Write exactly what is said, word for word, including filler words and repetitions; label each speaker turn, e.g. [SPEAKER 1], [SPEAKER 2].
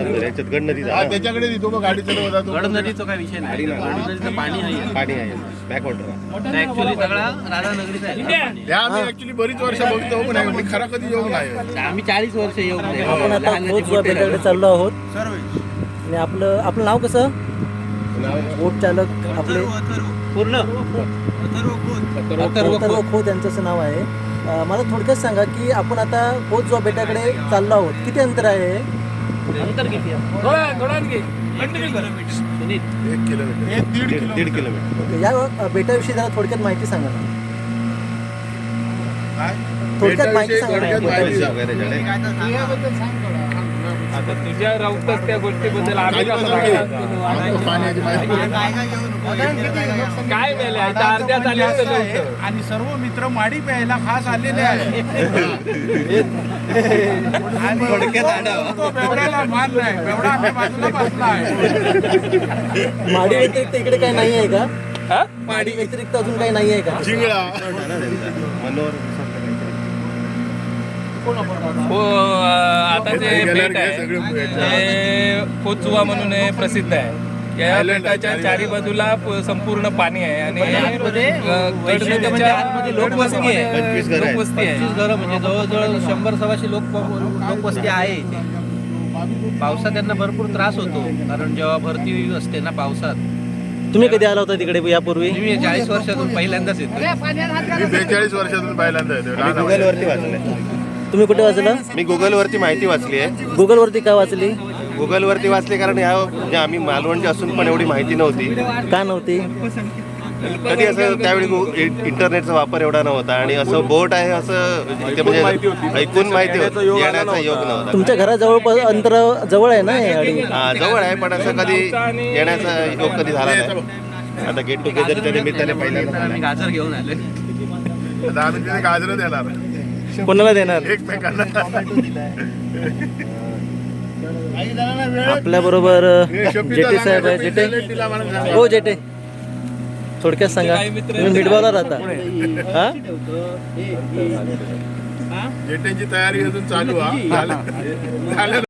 [SPEAKER 1] याच्यात गड नदीचा
[SPEAKER 2] हा त्याच्याकडे देतो मग गाडी चालवत जातो.
[SPEAKER 3] गड नदीचा काय विषय नाही. गड नदीचं पाणी आहे,
[SPEAKER 1] पाणी आहे बॅक वॉटर
[SPEAKER 3] ऍक्च्युली सगळा राधानगरीचा आहे.
[SPEAKER 2] त्या आम्ही ऍक्च्युली बरीच वर्ष बघतो पण आम्ही खरा कधी येऊन नाही.
[SPEAKER 3] आम्ही चाळीस वर्ष येऊन नाही.
[SPEAKER 4] आपण आता
[SPEAKER 3] लहानाचे
[SPEAKER 4] बोट
[SPEAKER 3] मोठे
[SPEAKER 4] बेटाकडे
[SPEAKER 3] राहतो.
[SPEAKER 4] चाललो आहोत आणि आपलं आपलं नाव कसं? बोट चालक आपले
[SPEAKER 3] पूर्ण
[SPEAKER 4] अथर्व खोत यांचं असं नाव आहे. अं, मला थोडक्यात सांगा की आपण आता खोतजोआ बेटाकडे चाललो आहोत. किती अंतर आहे?
[SPEAKER 3] अंतर किती आहे? सुनील,
[SPEAKER 2] एक किलोमीटर एक दीड
[SPEAKER 1] दीड दीड किलोमीटर
[SPEAKER 4] या अं, बेटाविषयी जरा थोडक्यात माहिती सांगा ना.
[SPEAKER 2] काय
[SPEAKER 4] थोडक्यात माहिती
[SPEAKER 2] बेटाविषयी
[SPEAKER 4] सांगा ना.
[SPEAKER 2] थोडक्यात माहिती सांग.
[SPEAKER 1] वगैरे झाले
[SPEAKER 5] आता तुझ्या राऊतात त्या गोष्टीबद्दल आम्ही
[SPEAKER 2] काही
[SPEAKER 5] कसं
[SPEAKER 2] पण
[SPEAKER 5] सांगणार?
[SPEAKER 2] सांगतो. पाण्याची माहिती
[SPEAKER 5] काय वेळ आहे? इथं अर्ध्यात आली असं नव्हतं.
[SPEAKER 6] आणि सर्व मित्र माडी प्यायला खास आलेले आहे. आणि तो बेवड्याला मान नाही, बेवडा आम्ही बाजूला बसला आहे.
[SPEAKER 4] माडी व्यतिरिक्त इकडे काही नाही आहे का?
[SPEAKER 5] हा?
[SPEAKER 4] माडी व्यतिरिक्त अजून काही नाही आहे का?
[SPEAKER 2] जिंगळा
[SPEAKER 1] मनोहर
[SPEAKER 5] हो, आता जे बेट आहे ते पोचुवा म्हणून हे प्रसिद्ध आहे. या बेटाच्या चारी बाजूला प- संपूर्ण पाणी आहे आणि
[SPEAKER 3] आतमध्ये
[SPEAKER 5] अं,
[SPEAKER 3] वैशिष्ट्य म्हणजे
[SPEAKER 5] गडनदीच्या
[SPEAKER 3] आतमध्ये लोकवस्ती आहे.
[SPEAKER 1] पंचवीस घरं आहेत.
[SPEAKER 5] लोकवस्ती आहे.
[SPEAKER 3] पंचवीस घरं म्हणजे जवळजवळ शंभर सव्वाशे लोक लोकवस्ती आहे इथे. पावसात त्यांना भरपूर त्रास होतो कारण जेव्हा भरती असते ना पावसात.
[SPEAKER 4] तुम्ही कधी आला होता तिकडे यापूर्वी?
[SPEAKER 3] मी चाळीस वर्षातून पहिल्यांदाच येतो.
[SPEAKER 2] मी बेचाळीस वर्षातून पहिल्यांदा येतो.
[SPEAKER 1] मी गुगल वरती वाचलंय
[SPEAKER 4] तुम्ही कुठे वाचलं?
[SPEAKER 1] मी गुगल वरती माहिती वाचली आहे.
[SPEAKER 4] गुगल वरती का वाचली?
[SPEAKER 1] गुगल वरती वाचली कारण ह्या म्हणजे आम्ही मालवणचे असून पण एवढी माहिती नव्हती.
[SPEAKER 4] का नव्हती?
[SPEAKER 1] कधी असं त्यावेळी गु- इ- इंटरनेटचा वापर एवढा नव्हता आणि असं बोट आहे असं ते म्हणजे ऐकून माहिती होती. येण्याचा योग नव्हता.
[SPEAKER 4] तुमच्या घराजवळ अंतर जवळ आहे ना हे गाडी?
[SPEAKER 1] हा जवळ आहे पण असं कधी येण्याचा योग कधी झाला नाही. आता गेट टुगेदरच्या निमित्ताने पहिल्यांदा
[SPEAKER 3] आम्ही गाजर घेऊन आले.
[SPEAKER 2] आता आम्ही तिथे गाजरं देणार
[SPEAKER 4] कोणाला देणार?
[SPEAKER 2] एकमेकांना.
[SPEAKER 4] आपल्या बरोबर जेटे साहेब आहे. जेटे हो जेटे थोडक्यात सांगा. तुम्ही मिडबावला राहता हा?
[SPEAKER 2] जेटेची तयारी अजून चालू हा झालं झालं